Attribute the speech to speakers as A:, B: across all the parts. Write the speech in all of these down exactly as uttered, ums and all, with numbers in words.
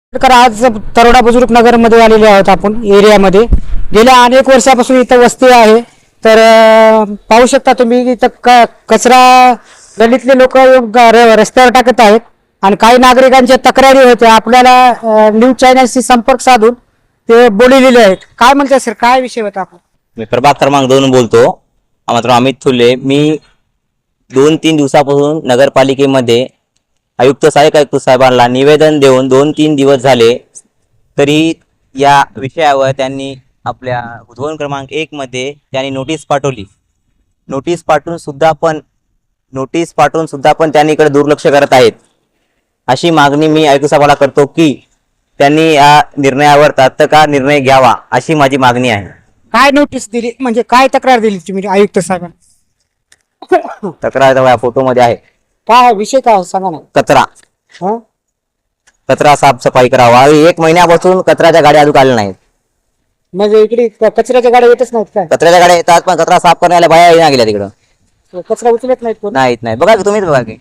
A: तर आज तरोडा बुजुर्ग नगर मध्ये आलेले आहोत आपण एरियामध्ये. गेल्या अनेक वर्षापासून इथं वस्ती आहे. तर अं, पाहू शकता तुम्ही इथं क- कचरा गल्लीतले लोक रस्त्यावर टाकत आहेत आणि काही नागरिकांच्या तक्रारी होत्या. आपल्याला न्यूज चॅनलशी संपर्क साधून ते बोललेले आहेत. काय म्हणतात सर, काय विषय होता आपण?
B: मी प्रभाग क्रमांक दोन बोलतो. मात्र अमित थुले. मी दोन तीन दिवसापासून नगरपालिकेमध्ये आयुक्त सहाय्यक आयुक्त साहेबांना निवेदन देऊन दोन तीन दिवस झाले, तरी या विषयावर त्यांनी आपल्या धोरण क्रमांक एक मध्ये त्यांनी नोटीस पाठवली. नोटीस पाठवून सुद्धा पण नोटीस पाठवून सुद्धा पण त्यांनी इकडे दुर्लक्ष करत आहेत. अशी मागणी मी आयुक्त साहेबांना करतो की त्यांनी या निर्णयावर तात्काळ निर्णय घ्यावा, अशी माझी मागणी आहे.
A: काय नोटीस दिली, म्हणजे काय तक्रार दिली तुम्ही आयुक्त साहेबांना?
B: तक्रार फोटोमध्ये आहे.
A: काय विषय काय सांगा ना.
B: कचरा
A: हा,
B: कचरा साफसफाई करावा. एक महिन्यापासून कचऱ्याच्या गाड्या अजून आल्या नाहीत.
A: म्हणजे इकडे क- कचऱ्याच्या गाड्या येतच नाहीत काय?
B: कचऱ्याच्या गाड्या येतात पण कचरा साफ करण्याला बाया येणार गेल्या तिकडं.
A: कचरा उचलत नाहीत कोण?
B: नाहीत नाही बघा की तुम्हीच बघा की.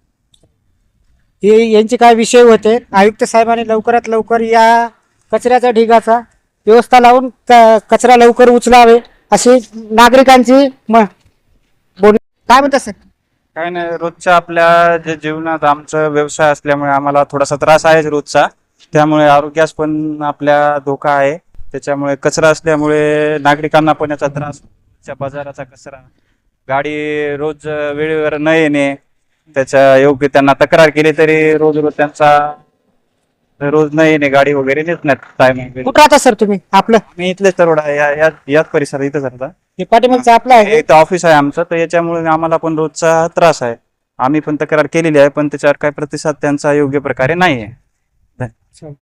A: हे यांचे काय विषय होते. आयुक्त साहेबांनी लवकरात लवकर या कचऱ्याच्या ढिगाचा व्यवस्था लावून क- कचरा लवकर उचलावे अशी नागरिकांची म- बोल काय म्हणतात सर?
C: काय नाही, रोजच्या आपल्या जे जीवनात आमचा व्यवसाय असल्यामुळे आम्हाला थोडासा त्रास आहे रोजचा. त्यामुळे आरोग्यास पण आपल्या धोका आहे. त्याच्यामुळे कचरा असल्यामुळे नागरिकांना पण याचा त्रास. च्या बाजाराचा कचरा, गाडी रोज वेळेवर न येणे, त्याच्या योग्य त्यांना तक्रार केली तरी रोज रोज त्यांचा रोज न येणे, गाडी वगैरे नेत नाहीत टाइम.
A: कुठं राहता सर तुम्ही? आपलं
C: मी इथलेच तरोडा आहे, या- या- याच परिसरात इथंच राहता.
A: हे पाठीमागचं आपलं आहे.
C: इथं ऑफिस आहे आमचं, तर याच्यामुळे आम्हाला पण रोजचा त्रास आहे. आम्ही पण तक्रार केलेली आहे, पण त्याच्यावर काही प्रतिसाद त्यांचा योग्य प्रकारे नाही आहे.